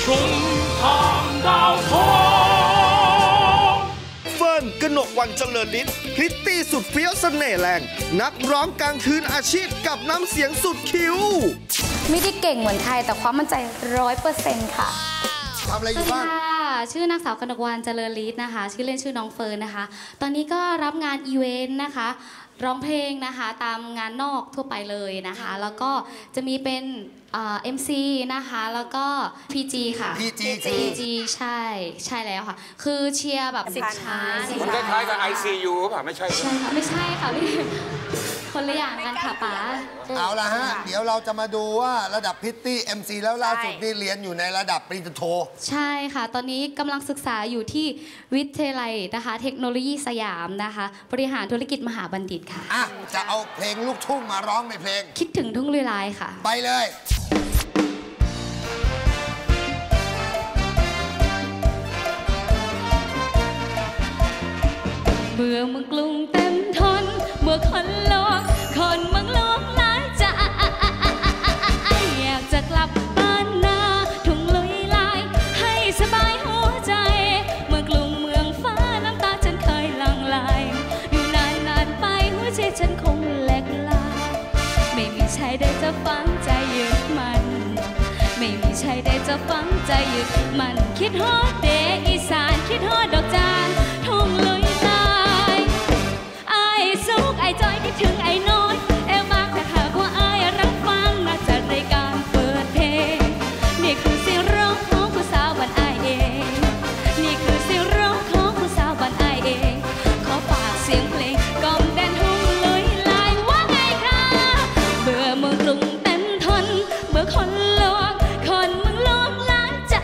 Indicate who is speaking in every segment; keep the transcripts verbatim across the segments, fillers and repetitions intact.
Speaker 1: ชุมทางดาวทอง
Speaker 2: เฟิร์นกนกวรรณเจริญฤทธิ์พริตตี้สุดเฟี้ยวเสน่ห์แรงนักร้องกลางคืนอาชีพกับน้ำเสียงสุดคิ้ว
Speaker 3: ไม่ได้เก่งเหมือนใครแต่ความมั่นใจร้อยเปอร์เซ็นต์ค่ะ
Speaker 2: ทำอะไรอยู่บ้าง
Speaker 3: ชื่อนางสาวกนกวรรณเจริญฤทธิ์นะคะชื่อเล่นชื่อน้องเฟิร์นนะคะตอนนี้ก็รับงานอีเวนต์นะคะร้องเพลงนะคะตามงานนอกทั่วไปเลยนะคะแล้วก็จะมีเป็นเอ็มซีนะคะแล้วก็ พี จี ค่ะ
Speaker 2: พี จี
Speaker 3: พี จี ใช่ใช่แล้วค่ะคือเชียร์แบบสิบชาย
Speaker 1: มันคล้ายๆกับ ไอ ซี ยู ป่ะไม่ใช่
Speaker 3: ใช่ค่ะไม่ใช่ค่ะพี่คนละอย่างกันค่ะป๋า
Speaker 2: เอาละฮะเดี๋ยวเราจะมาดูว่าระดับพิตตี้ เอ็ม ซี แล้วล่าสุดนี่เรียนอยู่ในระดับปริญญาโท
Speaker 3: ใช่ค่ะตอนนี้กำลังศึกษาอยู่ที่วิทยาลัยนะคะเทคโนโลยีสยามนะคะบริหารธุรกิจมหาบัณฑิตค่ะ
Speaker 2: อ่ะจะเอาเพลงลูกทุ่งมาร้องในเพลง
Speaker 3: คิดถึงทุ่งลุยลายค่ะ
Speaker 2: ไปเลย
Speaker 3: เมื่อมึงกรุงเต็มทนเมื่อคนโลกคนมึงโลกหลายใจอยากจะกลับบ้านนาทุ่งลุยลายให้สบายหัวใจเมื่อกรุงเมืองฟ้าน้ำตาฉันเคยหลั่งไหลอยู่นานนานไปหัวใจฉันคงแหลกลาไม่มีใครได้จะฟังใจยึดมันไม่มีใครได้จะฟังใจยึดมันคิดฮอดเดอีสานคิดฮอดดอกจานทุ่งลุยไอ้จอยคิดถึงไอ้น้อยเอวมากแต่หากว่าไอ้รับฟังน่าจะรายการเปิดเพลงนี่คือเสียงร้องของผู้สาวบ้านไอ้เองนี่คือเสียงร้องของผู้สาวบ้านไอ้เองขอฝากเสียงเพลงกล่อมแดนทุ่งลุยลายว่าไงคะเบื่อเมืองกรุงเต็มทนเบื่อคนโลกคนเมืองโลกล้านจะ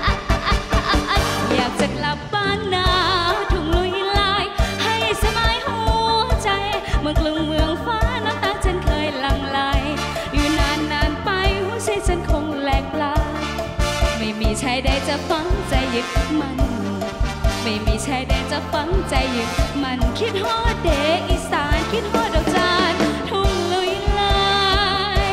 Speaker 3: อยากจะกลับบ้านนาทุ่งลุยลายให้สบายหัวใจเมืองกรุงเมืองฟ้าน้ำตาฉันเคยหลั่งไหลอยู่นานนานไปหัวใจฉันคงแหลกลาไม่มีชายใดจะฟังใจยึดมันไม่มีชายใดจะฟังใจยึดมันคิดฮอดเดอีสานคิดฮอดดอกจานทุ่งลุยลาย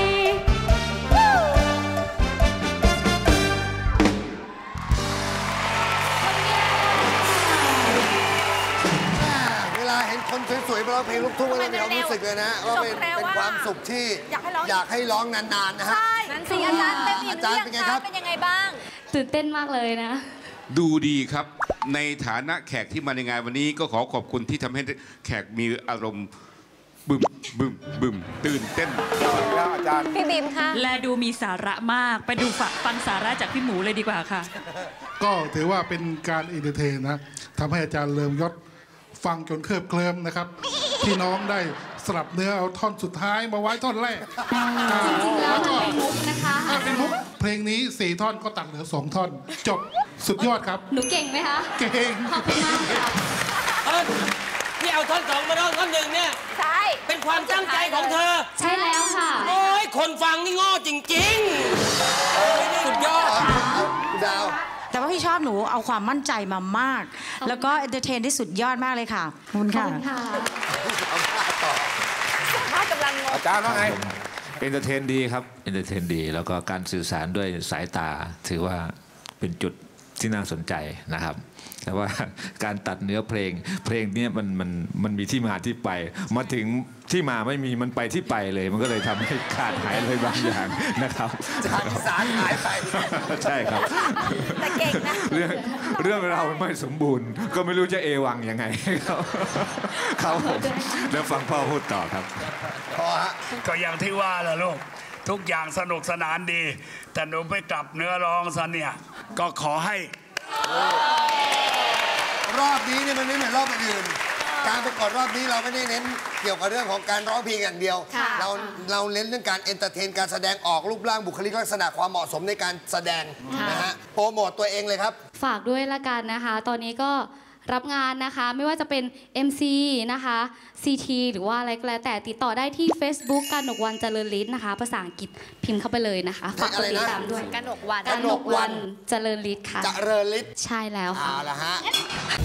Speaker 2: เวลาเห็นคนสวยๆมาร้องเพลงลูกทุ่งก็จะมีความรู้สึกเลยนะว่าเป็นเป็นความสุขที่อยากให้ร้องนานๆนะฮะ
Speaker 4: นั่นสิอาจารย์เต็มอิ่ม
Speaker 2: อาจารย์เป็นไงครับ
Speaker 4: เป็นยังไงบ้าง
Speaker 3: ตื่นเต้นมากเลยนะ
Speaker 5: ดูดีครับในฐานะแขกที่มาในงานวันนี้ก็ขอขอบคุณที่ทำให้แขกมีอารมณ์บึมบึมบึมตื่นเต้น
Speaker 2: แล้วอาจารย์
Speaker 4: พี่บิมค่ะ
Speaker 6: และดูมีสาระมากไปดูฟังสาระจากพี่หมูเลยดีกว่าค่ะ
Speaker 7: ก็ถือว่าเป็นการอินเตอร์เทนนะทำให้อาจารย์เลิมยศฟังจนเคลิบเคลิ้มนะครับที่น้องได้สลับเนื้อเอาท่อนสุดท้ายมาไว้ท่อนแรก
Speaker 3: จริงๆแล้วมันเป็นมุกนะคะ
Speaker 7: เป็นมุกเพลงนี้สี่ท่อนก็ตัดเหลือสองท่อนจบสุดยอดครับ
Speaker 3: หนูเก่งไหมคะ
Speaker 7: เก่ง
Speaker 3: ขอบคุณมากค่ะ
Speaker 1: ที่เอาท่อนสองมาร้องท่อนหนึ่งเนี่ย
Speaker 4: ใช่
Speaker 1: เป็นความตั้งใจของเธอ
Speaker 3: ใช่แล้วค่ะ
Speaker 1: โอ้ยคนฟังนี่โง่จริงๆสุดยอด
Speaker 2: ดาว
Speaker 6: แต่ว่าพี่ชอบหนูเอาความมั่นใจมามากแล้วก็เอนเตอร์เทนได้สุดยอดมากเลยค่ะขอบคุณค่ะ
Speaker 1: อาจารย์ว่าไง
Speaker 8: เอนเตอร์เทนดีครับเอนเตอร์เทนดีแล้วก็การสื่อสารด้วยสายตาถือว่าเป็นจุดที่น่าสนใจนะครับแต่ว่าการตัดเนื้อเพลงเพลงนี้มันมันมันมีที่มาที่ไปมาถึงที่มาไม่มีมันไปที่ไปเลยมันก็เลยทำให้ขาดหายเลยบางอย่างนะครับ
Speaker 2: จากอีสานหายไป
Speaker 8: ใช่ครับ
Speaker 4: แต่เก่งนะ
Speaker 8: เรื่องเรื่องเราไม่สมบูรณ์ก็ไม่รู้จะเอวังยังไงครับครับผมแล้วฟังพ่อพูดต่อครับ
Speaker 2: พอฮะ
Speaker 1: ก็อย่างที่ว่าแหละลูกทุกอย่างสนุกสนานดีแต่หนูไปกลับเนื้อร้องซะเนี่ยก็ขอให้
Speaker 2: รอบนี้เนี่ยมันไม่เหมือนรอบอื่นการประกวดรอบนี้เราไม่ได้เน้นเกี่ยวกับเรื่องของการร้องเพลงอย่างเดียวเราเราเน้นเรื่องการเอนเตอร์เทนการแสดงออกรูปร่างบุคลิกลักษณะความเหมาะสมในการแสดงนะฮะโปรโมตตัวเองเลยครับ
Speaker 3: ฝากด้วยละกันนะคะตอนนี้ก็รับงานนะคะไม่ว่าจะเป็น เอ็ม ซี นะคะ ซี ที หรือว่าอะไรก็แล้วแต่ติดต่อได้ที่ Facebook กนกวรรณเจริญฤทธิ์นะคะภาษาอังกฤษพิมพ์เข้าไปเลยนะคะฝากกดติดตามด้วย
Speaker 4: กนกวรรณ
Speaker 3: กนกวรรณเจริญฤทธิ์ค่ะ
Speaker 2: เจริญฤทธิ์
Speaker 3: ใช่แล้วค่ะ
Speaker 2: เอาละฮะ